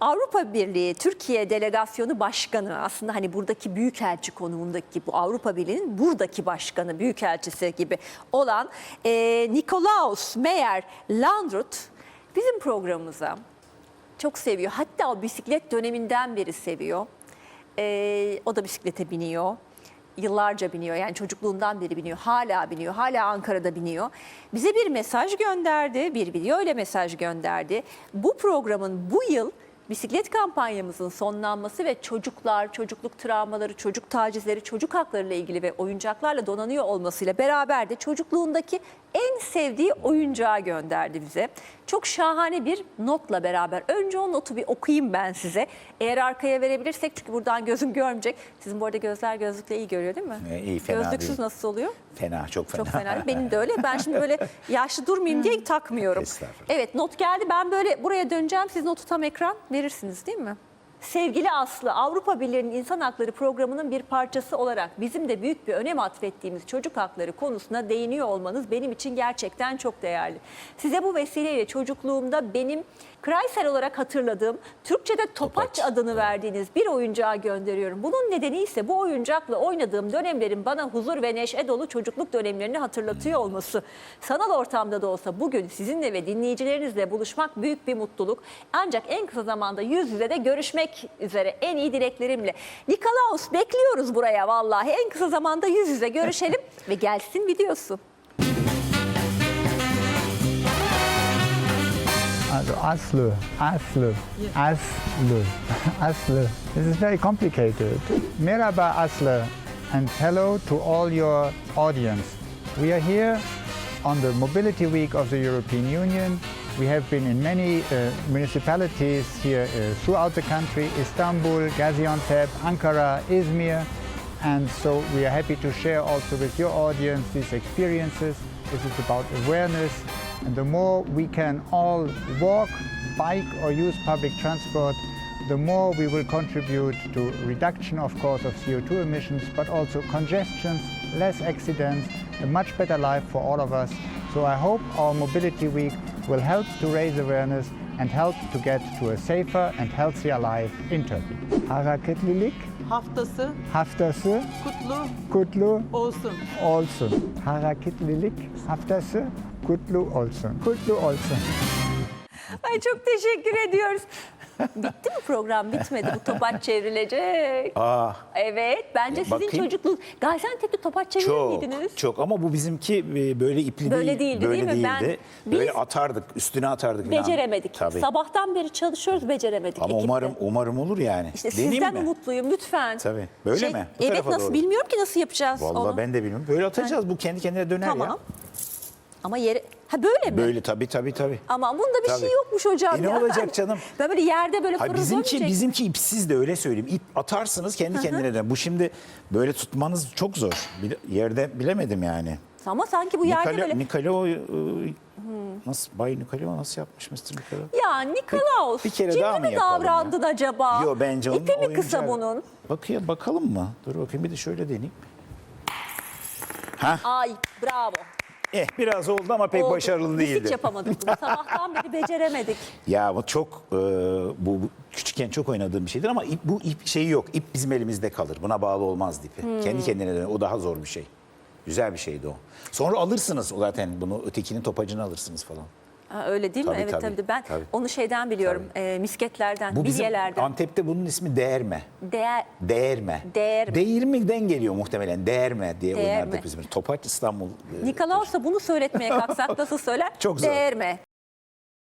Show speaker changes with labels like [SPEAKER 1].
[SPEAKER 1] Avrupa Birliği Türkiye Delegasyonu Başkanı, aslında hani buradaki büyükelçi konumundaki, bu Avrupa Birliği'nin buradaki başkanı, büyükelçisi gibi olan Nikolaus Meyer Landrut bizim programımıza çok seviyor. Hatta o bisiklet döneminden beri seviyor. O da bisiklete biniyor. Yıllarca biniyor, yani çocukluğundan beri biniyor, hala biniyor, hala Ankara'da biniyor. Bize bir mesaj gönderdi, bir video ile mesaj gönderdi. Bu programın bu yıl bisiklet kampanyamızın sonlanması ve çocuklar, çocukluk travmaları, çocuk tacizleri, çocuk hakları ile ilgili ve oyuncaklarla donanıyor olmasıyla beraber de çocukluğundaki en sevdiği oyuncağı gönderdi bize. Çok şahane bir notla beraber. Önce o notu bir okuyayım ben size. Eğer arkaya verebilirsek, çünkü buradan gözüm görmeyecek. Sizin bu arada gözler gözlükle iyi görüyor değil mi?
[SPEAKER 2] İyi, fena
[SPEAKER 1] Gözlüksüz
[SPEAKER 2] değil.
[SPEAKER 1] nasıl oluyor?
[SPEAKER 2] Fena, çok fena.
[SPEAKER 1] Çok fena. Benim de öyle. Ben şimdi böyle yaşlı durmayayım diye takmıyorum.
[SPEAKER 2] Estağfurullah.
[SPEAKER 1] Evet, not geldi. Ben böyle buraya döneceğim. Siz notu tam ekran verirsiniz değil mi? Sevgili Aslı, Avrupa Birliği'nin İnsan Hakları Programı'nın bir parçası olarak bizim de büyük bir önem atfettiğimiz çocuk hakları konusuna değiniyor olmanız benim için gerçekten çok değerli. Size bu vesileyle çocukluğumda benim Kreisel olarak hatırladığım, Türkçe'de Topaç adını verdiğiniz bir oyuncağı gönderiyorum. Bunun nedeni ise bu oyuncakla oynadığım dönemlerin bana huzur ve neşe dolu çocukluk dönemlerini hatırlatıyor olması. Sanal ortamda da olsa bugün sizinle ve dinleyicilerinizle buluşmak büyük bir mutluluk. Ancak en kısa zamanda yüz yüze de görüşmek üzere en iyi dileklerimle. Nikolaus, bekliyoruz buraya vallahi. En kısa zamanda yüz yüze görüşelim ve gelsin videosu.
[SPEAKER 3] Also Aslı. Aslı. This is very complicated. Merhaba Aslı, and hello to all your audience. We are here on the Mobility Week of the European Union. We have been in many municipalities here throughout the country: Istanbul, Gaziantep, Ankara, Izmir. And so we are happy to share also with your audience these experiences. This is about awareness. And the more we can all walk, bike or use public transport, the more we will contribute to reduction, of course, of CO2 emissions, but also congestions, less accidents, a much better life for all of us. So I hope our Mobility Week will help to raise awareness and help to get to a safer and healthier life in Turkey. Hareketlilik haftası kutlu
[SPEAKER 4] olsun.
[SPEAKER 3] olsun. Hareketlilik haftası kutlu olsun. Kutlu olsun.
[SPEAKER 1] Ay, çok teşekkür ediyoruz. Bitti mi program? Bitmedi. Bu topaç çevrilecek. Evet. Bence sizin
[SPEAKER 2] bakayım.
[SPEAKER 1] çocukluğunuz. Gaziantep'te topaç çevirir miydiniz?
[SPEAKER 2] Çok ama bu bizimki böyle ipli
[SPEAKER 1] Böyle değildi,
[SPEAKER 2] böyle
[SPEAKER 1] değil mi?
[SPEAKER 2] değildi.
[SPEAKER 1] Biz
[SPEAKER 2] Böyle atardık, üstüne atardık falan.
[SPEAKER 1] Beceremedik.
[SPEAKER 2] Tabii.
[SPEAKER 1] Sabahtan beri çalışıyoruz, beceremedik.
[SPEAKER 2] Ama
[SPEAKER 1] ekipte.
[SPEAKER 2] umarım olur yani.
[SPEAKER 1] İşte
[SPEAKER 2] Deneyeyim
[SPEAKER 1] sizden
[SPEAKER 2] mi?
[SPEAKER 1] umutluyum lütfen.
[SPEAKER 2] Tabii. Böyle mi? Bu
[SPEAKER 1] Evet,
[SPEAKER 2] tarafa
[SPEAKER 1] nasıl
[SPEAKER 2] doğru.
[SPEAKER 1] bilmiyorum ki nasıl yapacağız
[SPEAKER 2] Vallahi
[SPEAKER 1] onu.
[SPEAKER 2] ben de bilmiyorum. Böyle atacağız. Bu kendi kendine döner
[SPEAKER 1] Tamam.
[SPEAKER 2] ya.
[SPEAKER 1] Ama yere... Ha, böyle mi?
[SPEAKER 2] Böyle tabii.
[SPEAKER 1] Ama bunda bir
[SPEAKER 2] Tabii.
[SPEAKER 1] şey yokmuş hocam.
[SPEAKER 2] Ne
[SPEAKER 1] ya.
[SPEAKER 2] olacak canım?
[SPEAKER 1] Ben böyle yerde böyle
[SPEAKER 2] Hayır,
[SPEAKER 1] fırıl dönmeyecek.
[SPEAKER 2] bizimki ipsiz de, öyle söyleyeyim. İp atarsınız kendi kendine döner. Bu şimdi böyle tutmanız çok zor. Yerde bilemedim yani.
[SPEAKER 1] Ama sanki bu yerde böyle...
[SPEAKER 2] Nikolao nasıl, Bay Nikolao nasıl yapmış Mr. Nikolao?
[SPEAKER 1] Ya Nikolaus,
[SPEAKER 2] Bir kere
[SPEAKER 1] ciddi
[SPEAKER 2] daha mı
[SPEAKER 1] mi
[SPEAKER 2] yapalım
[SPEAKER 1] davrandın acaba?
[SPEAKER 2] Yo, bence onun
[SPEAKER 1] İpi mi kısa
[SPEAKER 2] oyuncağı.
[SPEAKER 1] bunun?
[SPEAKER 2] Bakalım mı? Dur bakayım, bir de şöyle deneyeyim.
[SPEAKER 1] Ay, bravo.
[SPEAKER 2] Biraz oldu ama pek
[SPEAKER 1] Oldu.
[SPEAKER 2] başarılı
[SPEAKER 1] Biz
[SPEAKER 2] değildi.
[SPEAKER 1] hiç yapamadık bunu. Sabahtan beri beceremedik.
[SPEAKER 2] Ya bu çok bu küçükken çok oynadığım bir şeydir ama bu ip şeyi yok. İp bizim elimizde kalır. Buna bağlı olmaz ipi. Kendi kendine döner. O daha zor bir şey. Güzel bir şeydi o. Sonra alırsınız o zaten bunu, ötekinin topacını alırsınız falan.
[SPEAKER 1] Ha, öyle değil mi?
[SPEAKER 2] Tabii,
[SPEAKER 1] Evet
[SPEAKER 2] tabii.
[SPEAKER 1] tabii. Ben
[SPEAKER 2] Tabii.
[SPEAKER 1] onu şeyden biliyorum. Misketlerden,
[SPEAKER 2] Bu bizim
[SPEAKER 1] bilyelerden.
[SPEAKER 2] Antep'te bunun ismi değerme.
[SPEAKER 1] Değerme.
[SPEAKER 2] Değirmeden geliyor muhtemelen. Değerme diye
[SPEAKER 1] Değerme.
[SPEAKER 2] oynardık biz. Topaç İstanbul.
[SPEAKER 1] Nikolaus'a bunu söyletmeye kalksak nasıl söyler?
[SPEAKER 2] Çok zor.
[SPEAKER 1] Değerme.